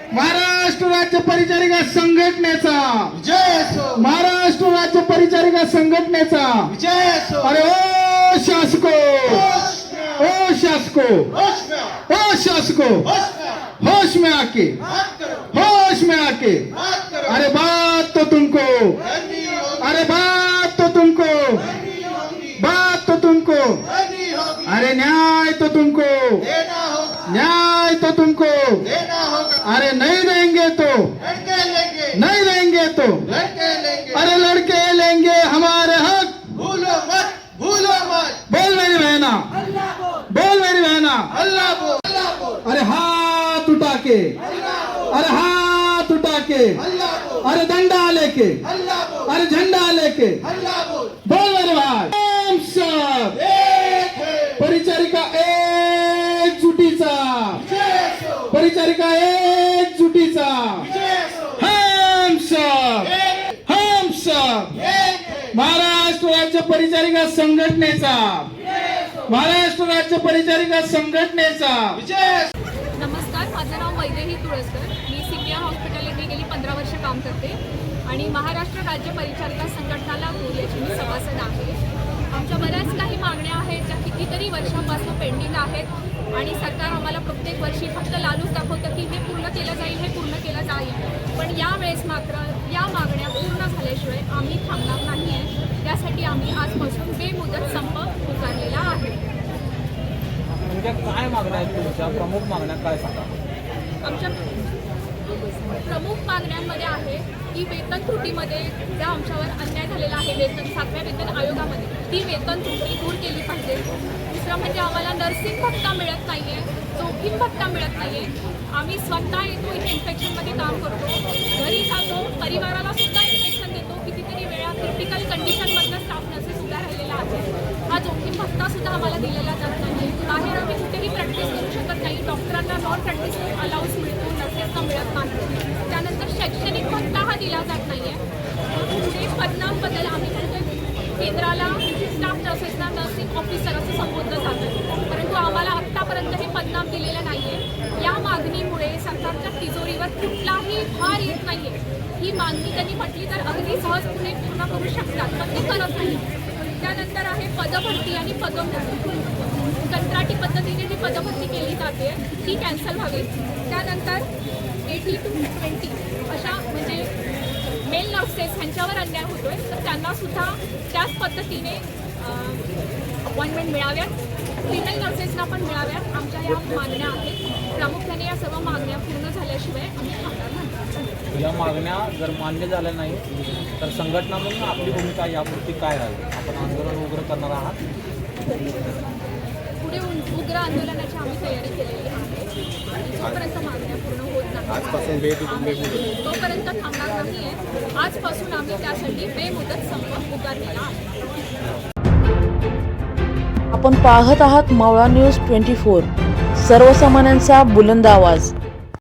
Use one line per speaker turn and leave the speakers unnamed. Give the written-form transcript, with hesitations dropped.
महाराष्ट्र राज्य परिचारिका संघटनेचा
विजय असो,
महाराष्ट्र राज्य परिचारिका संघटनेचा
विजय असो.
अरे ओ शासको, ओ शासको,
होश में आओ,
ओ शासको,
होश में आओ,
होश में आके,
बात करो,
होश में आके,
बात करो.
अरे बात तो तुमको,
करनी होगी,
अरे बात तो तुमको,
करनी होगी,
बात तो तुमको,
करनी होगी.
अरे न्याय तो तुमको,
देना होगा,
न्याय तो तुमको,
देना होगा.
अरे नहीं देंगे तो,
लड़के लेंगे,
नहीं देंगे तो,
लड़के लेंगे.
अरे लड़के लेंगे हमारे हक।
भूलो मत, भूलो मत.
बोल मेरी बहना,
अल्लाह बोल,
बोल मेरी बहना,
अल्लाह बोल, अल्लाह बोल,
अरे हाथ उठा के,
अल्लाह बोल,
अरे हाथ उठा के,
अल्लाह बोल,
अरे डंडा लेके,
अल्लाह बोल,
अरे झंडा लेके,
अल्लाह बोल.
बोल मेरे भाई, हम सब
एक है,
परिचारिका एकजुटीचा,
विजय असो,
परिचारिका एकजुटीचा,
विजय असो.
हम सब,
एक,
हम सब
एक है,
महाराष्ट्र राज्य परिचारिका संघटनेचा, महाराष्ट्र राज्य परिचारिका संघटनेचा
विजय असो.
नमस्कार, माझं नाव वैदेही तुळसकर. मी सीपीआर हॉस्पिटल येथे गेली 15 वर्ष काम करते आणि महाराष्ट्र राज्य परिचारिका संघटनाला याची मी सभासद आहे. आमच्या बऱ्याच काही मागण्या आहेत ज्या कितीतरी वर्षांपासून पेंडिंग आहेत आणि सरकार आम्हाला प्रत्येक वर्षी फक्त लालूच दाखवतं की हे पूर्ण केलं जाईल, हे पूर्ण केलं जाईल. पण यावेळेस मात्र या मागण्या पूर्ण झाल्याशिवाय आम्ही थांबणार नाही आहे. त्यासाठी आम्ही आजपासून बेमुदत संप पुकारलेला आहे.
म्हणजे काय मागण्या आहेत तुमच्या? प्रमुख मागण्या काय सांगा?
आमच्या प्रमुख मागण्यांमध्ये आहे की वेतन त्रुटीमध्ये ज्या आमच्यावर अन्याय झालेला आहे वेतन 7व्या वेतन आयोगामध्ये, ती वेतन त्रुटी दूर केली पाहिजे. दुसरं म्हणजे आम्हाला नर्सिंग भत्ता मिळत नाही आहे, जोखीम भत्ता मिळत नाही आहे. आम्ही स्वतः येतो इथे इन्फेक्शनमध्ये काम करतो, घरी जातो, परिवाराला सुद्धा इन्फेक्शन देतो. कितीतरी वेळा क्रिटिकल कंडिशनमधनं स्टाफ नर्सेस सुद्धा राहिलेला आहे. हा जोखीम भत्ता सुद्धा आम्हाला दिलेला जात नाही. बाहेर आम्ही कुठेही प्रॅक्टिस करू शकत नाही. डॉक्टरांना नॉन प्रॅक्टिस अलाउन्स मिळतो, नर्सेसना मिळत नाही. त्यानंतर शैक्षणिक भत्ता हा दिला जात नाही आहे. पुढे पदनामबद्दल आम्ही म्हणतो केंद्राला स्टाफ नर्सेसना नर्सिंग ऑफिसर असं संबोधलं जातं, परंतु आम्हाला आत्तापर्यंत हे पदनाम दिलेलं नाही आहे. या मागणीमुळे सरकारच्या तिजोरीवर कुठलाही भार येत नाही आहे. ही मागणी त्यांनी म्हटली तर अगदी सहजपणे पूर्ण करू शकतात, पण ते करत नाही. त्यानंतर आहे पदभरती आणि पदोन्नती. कंत्राटी पद्धतीने जी पदभरती केली जाते ती कॅन्सल व्हावी. त्यानंतर 80 to 20 अशा म्हणजे मेल नर्सेस ह्यांच्यावर अन्याय होतोय, तर त्यांना सुद्धा त्याच पद्धतीने अपॉइंटमेंट मिळाव्यात. फिमेल नर्सेसना पण मिळाव्यात. आमच्या या मागण्या आहेत. प्रामुख्याने या सर्व मागण्या पूर्ण झाल्याशिवाय आम्ही थांबणार नाही.
या मागण्या जर मान्य झाल्या नाही तर संघटना म्हणून आपली भूमिका यापुरती काय राहील? आपण आंदोलन उग्र करणार आहात?
पुढे उग्र आंदोलनाची आम्ही तयारी केलेली आहे आणि जोपर्यंत मागण्या पूर्ण होत नाही तोपर्यंत थांबणार नाही आहे. आजपासून आम्ही त्यासाठी बेमुदत संप पुकारलेला आहे.
आपण पाहत आहात मावळा न्यूज 24, सर्वसामान्यांचा बुलंद आवाज.